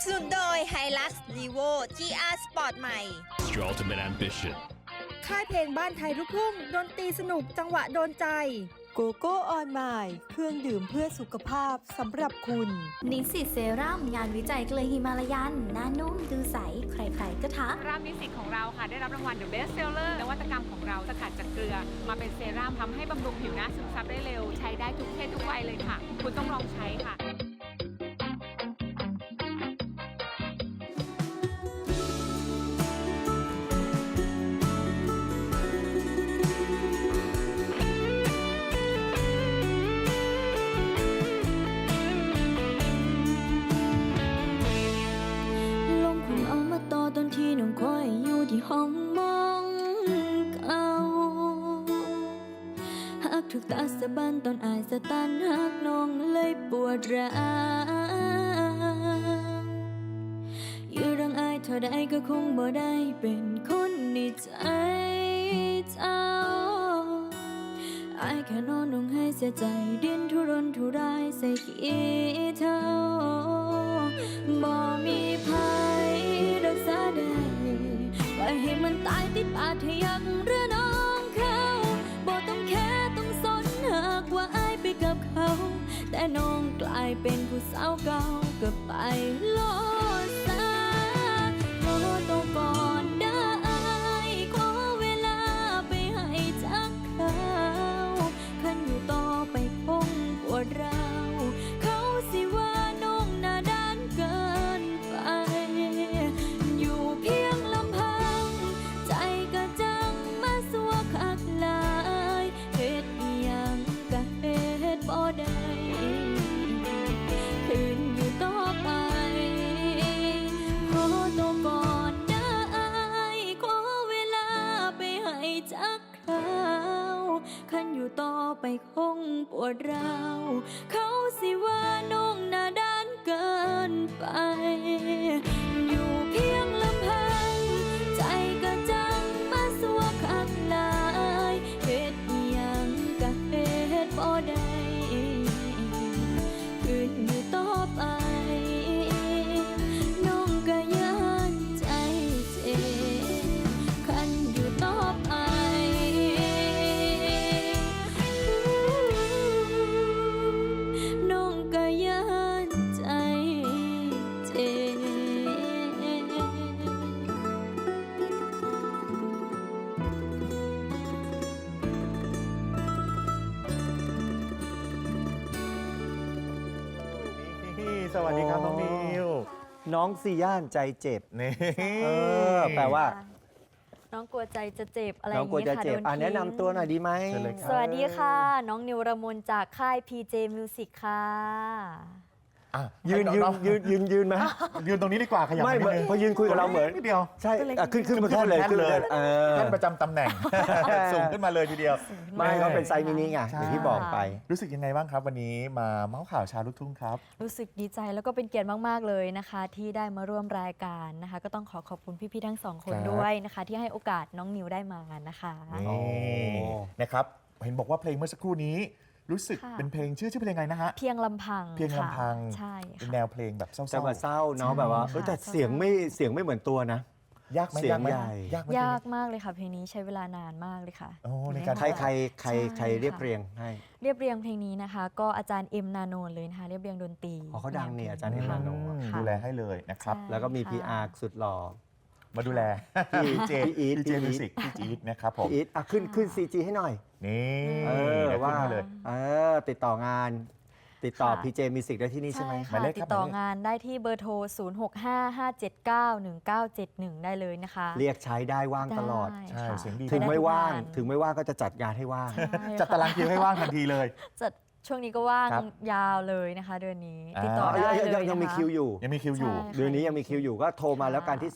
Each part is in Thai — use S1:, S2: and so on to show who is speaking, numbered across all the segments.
S1: สนุนโดย Hilux Levo GR Sport ใหม่
S2: It's your ultimate ambition.
S3: ค่ายเพลงบ้านไทยลูกทุ่งดนตรีสนุกจังหวะโดนใจ
S4: โกโก้ออนไมล์เครื่องดื่มเพื่อสุขภาพสำหรับคุณ
S5: นิสสิตเซรั่มงานวิจัยเกลือฮิมาลายันหน้านุ่มดูใสใครๆก็ทัก
S6: รามนิสสิตของเราค่ะได้รับรางวัล The Best Seller นวัตกรรมของเราสกัดจากเกลือมาเป็นเซรั่มทำให้บำรุงผิวหน้าซึมซับได้เร็วใช้ได้ทุกเพศทุกวัยเลยค่ะ คุณต้องลองใช้ค่ะ
S5: ตอนที่น้องคอยอยู่ที่ห้องมองเก่าหักถูกตาสะบันตอนอายสะตันหักน้องเลยปวดร้าวอยู่เรื่องอายเท่าใดก็คงบ่ได้เป็นคนในใจเจ้าอายแค่นอนลงให้เสียใจดิ้นทุรนทุรายใส่ขี้เท่าบ่มีภัยรักษาได้ปล่อยให้มันตายติดปาดให้ยังเรือน้องเขาบ่ต้องแค่ต้องสนหากว่าอายไปกับเขาแต่น้องกลายเป็นผู้สาวเก่าก็ไปโลดซะขอตัวก่อนได้ขอเวลาไปให้จักเขาคันอยู่ต่อไปคงปวดร้าวเขาสิว่าน้องหน้าด้านเกินไปอยู่เพียงลำพังใจก็จังมาสัวคักหลายเฮ็ดอิหยังก็เฮ็ดบ่ได้คืนอยู่ต่อไปขอตัวก่อนได้ขอเวลาไปให้จักคราวคันอยู่ต่อไปคงปวดร้าวเขาสิว่าน้องหน้าด้านเกินไปอยู่เพียงลำพังใจก็จังมาสัวคักหลายเฮ็ดอิหยังก็เฮ็ดบ่ได้คืนอยู่ต่อไปน้องก็ย้านใจเจ็บคันอยู่ต่อไปน้องก็ย้านใจเจ็บ
S7: สวัสดีครับน้องนิว
S8: น้องซีย่านใจเจ็บ
S7: นี่
S8: แปลว่า
S9: น้องกลัวใจจะเจ็บอะไรอ
S8: น้อง
S9: ย่าง
S8: กลัว
S9: นี้
S8: จะ
S9: ค่ะ
S8: เจ็บ
S9: โดนทิ้ง
S8: แนะนำตัวหน่อยดีไหม
S7: เชิญเลยครับ
S9: สวัสดีค่ะ น้องนิวรมนจากค่าย PJ Music ค่ะ
S7: อ่ะ
S8: ยืน
S7: ให้องๆ
S8: ยืนไหม
S7: ยืนตรงนี้ดีกว่าขยับ
S8: ไม่
S7: นิดนึง
S8: พอยืนคุยกับเราเหมือน
S7: นิดเดียว
S8: ใช่ขึ้นมาแค่เลย
S7: ขึ้นเลย
S8: ขึ้น
S7: ท่านประจำตำแหน่ง สูงขึ้นมาเลยทีเดียว
S8: ไม่ก็เป็นไซส์มินิไงอย่างที่บอกไป
S7: รู้สึกยังไงบ้างครับวันนี้มาเมาส์ข่าวชาวลูกทุ่งครับ
S9: รู้สึกดีใจแล้วก็เป็นเกียรติมากๆเลยนะคะ ที่ได้มาร่วมรายการนะคะ ก็ต้องขอบคุณพี่ๆทั้งสองคน
S7: ครับ
S9: ด้วยนะคะ ที่ให้โอกาสน้องนิวได้มานะคะ
S7: นี่นะครับเห็นบอกว่าเพลงเมื่อสักครู่นี้รู้สึก
S9: ค่ะ
S7: เป็นเพลงชื่อเพลงไงนะฮะ
S9: เพียงลำพัง
S7: เพียงลำพัง
S9: ค่ะใช่
S7: เป็น
S9: ค่ะ
S7: แนวเพลงแบบเศร้า
S8: จะมาเศร้าเนาะ
S7: ใช่
S8: แบบว่า
S9: ค่ะ
S8: แต่เสียงไม่เหมือนตัวนะ
S7: ยากไหม
S8: เสียง
S7: ยากไหม
S8: ใหญ่
S7: ยากไหม
S9: ยากมากเลยค่ะเพลงนี้ใช้เวลานานมากเลยค่ะ
S7: โอ้ในการ
S8: ใคร
S9: ใช่
S8: เรียบ
S9: ค่ะ
S8: เรียงให้
S9: เรียบเรียงเพลงนี้นะคะ ก็อาจารย์เอ็มนาโนนเลยนะคะเรียบเรียงดนตรี
S8: อ๋อเขาดังเนี่ยอาจารย์เอ็มนาโน
S9: ค่ะ
S7: ดูแลให้เลยนะครับ
S9: ใช่
S8: แล้วก็มี
S9: ค่ะ
S8: PR สุดหล่อ
S7: มาดูแล
S8: พี่
S7: พี่เจ
S8: อีท
S7: พี่เจมิวสิกพี่จี๊ดนะครับผม
S8: พี่อีทขึ้น CG ให้หน่อย
S7: นี่
S8: เดี๋ยวว่า
S7: ขึ้นให้เลย
S8: ติดต่องาน ติดต่อ
S9: ค่ะ
S8: PJ Music ได้ที่นี่ใช่ไหม
S7: หมาย
S9: ค่ะ
S7: เลขครับ
S9: ติดต่องานได้ที่เบอร์โทร 0655791971 ได้เลยนะคะ
S8: เรียกใช้ได้ว่างตลอด
S9: ได้
S7: ใช่
S9: ค่ะ
S7: เสียงดี
S8: ถึงไม่ว่าง
S9: ได้ทุก
S8: ถึงไม่ว่างก็จะจัดงานให้ว่าง
S9: ใช่ค่ะ
S7: จัดตารางคิวให้ว่างทันทีเลย
S9: จัดช่วงนี้ก็ว่าง
S7: ครับ
S9: ยาวเลยนะคะเดือนนี้
S7: อ่า
S9: ติดต่อได้เลยนะคะ
S8: ยังมีคิวอยู่
S7: ยังมีคิวอยู่
S9: ใช่
S8: เดือนนี้ยังมีคิวอยู่ก็โทรมาแล้วกันที่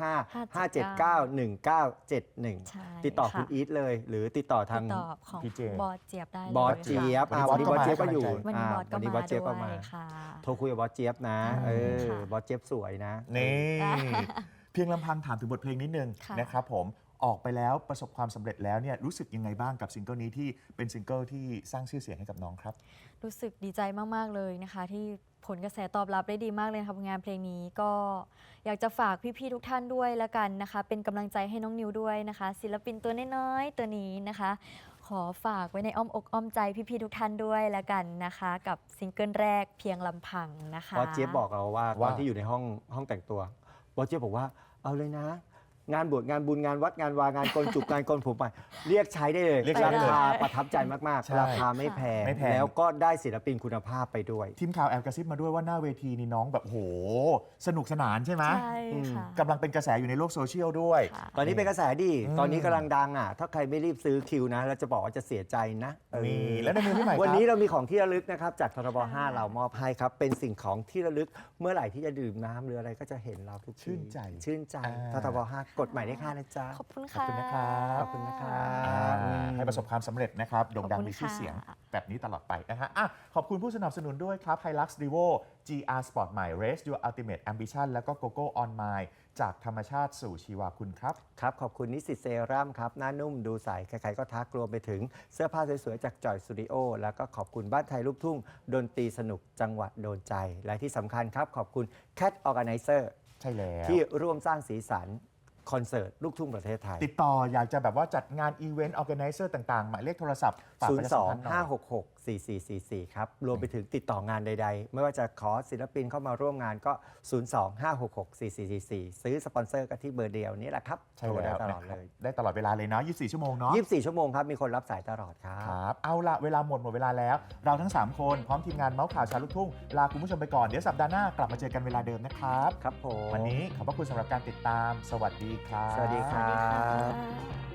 S8: 0655791971
S9: ใช่
S8: ติดต่อคุณ
S9: ค่ะ
S8: อีทเลย หรือติดต่อทาง
S9: ติดต่อของ
S7: พี่เจ
S9: บอสเจี๊ยบได้เลย
S8: บอสเจี๊ยบ
S7: ค่ะ
S8: วันนี้บอสเจี๊ยบก็อยู่
S9: วันนี้บอสก็
S8: วันนี้บ
S9: มา
S8: อสเจี๊ยบ
S9: ด้
S8: ก็
S9: ว
S8: มา
S9: ยค่ะ
S8: โทรคุยกับบอสเจี๊ยบนะ
S9: ค่ะ
S8: บอสเจี๊ยบสวยนะ
S7: นี่ เพียงลำพังถามถึงบทเพลงนิดนึง
S9: ค่ะ
S7: นะครับผมออกไปแล้วประสบความสำเร็จแล้วเนี่ยรู้สึกยังไงบ้างกับซิงเกิลนี้ที่เป็นซิงเกิลที่สร้างชื่อเสียงให้กับน้องครับ
S9: รู้สึกดีใจมาก ๆ เลยนะคะ ที่ผลกระแสตอบรับได้ดีมากเลยนะคะงานเพลงนี้ก็อยากจะฝากพี่ๆทุกท่านด้วยละกันนะคะ เป็นกำลังใจให้น้องนิวด้วยนะคะ ศิลปินตัวน้อยๆตัวนี้นะคะ ขอฝากไว้ในอ้อมอกอ้อมใจพี่ๆทุกท่านด้วยละกันนะคะ กับซิงเกิลแรกเพียงลำพังนะคะ
S8: บอสเจี๊ยบบอกเราว่าต
S7: ว่า
S8: อนที่อยู่ในห้องแต่งตัวบอสเจี๊ยบบอกว่าเอาเลยนะ งานบวชงานบุญงานวัดงานวางานกลจุกงานกลผมไปเรียกใช้ได้เลย
S7: เรียกใช้
S8: รา
S7: ได้เลย
S8: คาประทับใจมาก
S7: ใช่
S8: ๆ ราคาไม่แพง
S7: ไม่แพง
S8: แล้วก็ได้ศิลปินคุณภาพไปด้วย
S7: ทีมข่าวแอบกระซิบมาด้วยว่าหน้าเวทีนี่น้องแบบโหสนุกสนานใช่ไหม
S9: ใช่ค่ะ
S7: กำลังเป็นกระแสอยู่ในโลกโซเชียลด้วย
S9: ค่ะ
S8: ตอนนี้เป็นกระแสดี
S7: อืม
S8: ตอนนี้กำลังดังอ่ะ ถ้าใครไม่รีบซื้อคิวนะเราจะบอกว่าจะเสียใจนะเออ
S7: นี่แล้วในมือพี่ใหม่ครับ
S8: วันนี้เรามีของที่ระลึกนะครับ จากททบ 5 เรามอบให้ครับ เป็นสิ่งของที่ระลึกเมื่อไหร่ที่จะดื่มน้ำหรืออะไรก็จะเห็นเราทุกที
S7: ชื่นใจ
S8: ชื่นใจ ททบ 5 กฎหมายเลข 5 นะจ๊ะ
S9: ขอบคุณ
S7: ขอบ
S9: ค่ะ
S7: คุณนะครับ
S8: ขอบคุณนะครับ
S7: ให้ประสบความสำเร็จนะครับโด่งดัง
S9: ขอบคุณ
S7: มีชื่อ
S9: ค่ะ
S7: เสียงแบบนี้ตลอดไปนะฮะอ่ะขอบคุณผู้สนับสนุนด้วยครับ Hilux Revo GR Sport ใหม่ Race Your Ultimate Ambition แล้วก็ GoGo On My จากธรรมชาติสู่ชีวาคุณครับ
S8: ครับ ขอบคุณนิสสิตเซรั่มครับ หน้านุ่มดูใส ใครๆก็ทักรวมไปถึงเสื้อผ้าสวยๆ จากจอยสตูดิโอแล้วก็ขอบคุณบ้านไทยลูกทุ่ง ดนตรีสนุกจังหวัดโดนใจ และที่สำคัญครับ ขอบคุณ Cat Organizer
S7: ใช่แล้ว
S8: ที่ร่วมสร้างสีสันคอนเสิร์ตลูกทุ่งประเทศไทย
S7: ติดต่ออยากจะแบบว่าจัดงานอีเวนต์ออแกไนเซอร์ต่างๆ หมายเลขโทรศัพท์ฝากประชาสัมพันธ์หน่อย
S8: 02-566-4444 ครับ รวมไปถึงติดต่องานใดๆ ไม่ว่าจะขอศิลปินเข้ามาร่วมงานก็ 02-566-4444 ซื้อสปอนเซอร์กันที่เบอร์เดียวนี้แหละครับ
S7: ใช่
S8: โทรได้
S7: แล้ว
S8: ตล
S7: นะ
S8: อด
S7: ค
S8: เล
S7: รับ
S8: ย
S7: ได้ตลอดเวลาเลยเนาะ24 ชั่วโมงเนาะ
S8: 24 ชั่วโมงครับ มีคนรับสายตลอดครับ
S7: ครับ เอาละเวลาหมดเวลาแล้ว เราทั้ง 3 คนพร้อมทีมงานเมาส์ข่าวชาวลูกทุ่ง ลาคุณผู้ชมไปก่อน เดี๋ยวสัปดาห์หน้ากลับมาเจอกันเวลาเดิมนะครับ
S8: ครับผม
S7: วันนี้ขอบพระคุณสำหรับการติดตาม สวัสดีครับ
S8: สวัสดีครั
S9: สวัสดี
S8: บ
S9: ค่ะ